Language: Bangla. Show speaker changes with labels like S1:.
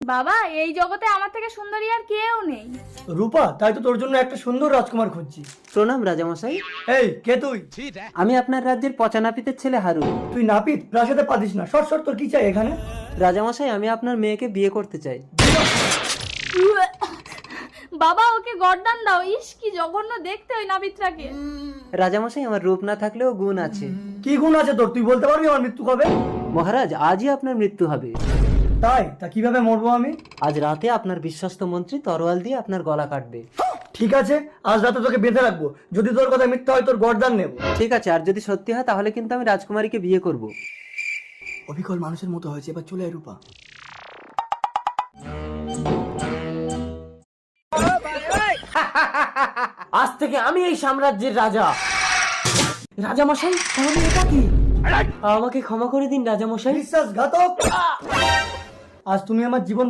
S1: বাবা, এই জগতে আমার থেকে সুন্দরী আর কেউ নেই।
S2: রূপা, তাই তো তোর জন্য একটা সুন্দর রাজকুমার খুঁজছি।
S3: প্রণাম রাজামশাই।
S2: এই, কে তুই?
S3: আমি আপনার রাজ্যের পচা নাপিতের ছেলে হারুন।
S2: তুই নাপিত? প্রাসাদে পাদিস না। শর্ট শর্ট, তোর কি চাই এখানে?
S3: রাজামশাই, আমি আপনার মেয়েকে বিয়ে করতে চাই।
S1: বাবা, ওকে গর্দান দাও। ইস, কি জঘন্য দেখতে ওই নাবিত্রাকে।
S3: রাজামশাই, আমার রূপ না থাকলেও গুণ আছে।
S2: কি গুণ আছে তোর? তুই বলতে পারবি আমার মৃত্যু কবে?
S3: মহারাজ, আজই আপনার মৃত্যু হবে।
S2: তাই? তা কিভাবে মরবো আমি?
S3: আজ রাতে আপনার বিশ্বস্ত মন্ত্রী তরোয়াল দিয়ে আপনার গলা কাটবে।
S2: ঠিক আছে, আজ রাতে তোকে বেঁধে রাখবো। যদি তোর কথা মিথ্যা হয়, তোর গর্দান নেব।
S3: ঠিক আছে, আর যদি সত্যি হয় তাহলে কিন্তু আমি রাজকুমারীকে বিয়ে করব।
S2: অবিকল মানুষের মতো হয়েছে, এবার চলে আয় রূপা।
S3: আজ থেকে আমি এই সাম্রাজ্যের রাজা। রাজামশাই, তাহলে এটা কি? আমাকে ক্ষমা করে দিন রাজামশাই।
S2: বিশ্বাসঘাতক! আজ তুমি আমার জীবন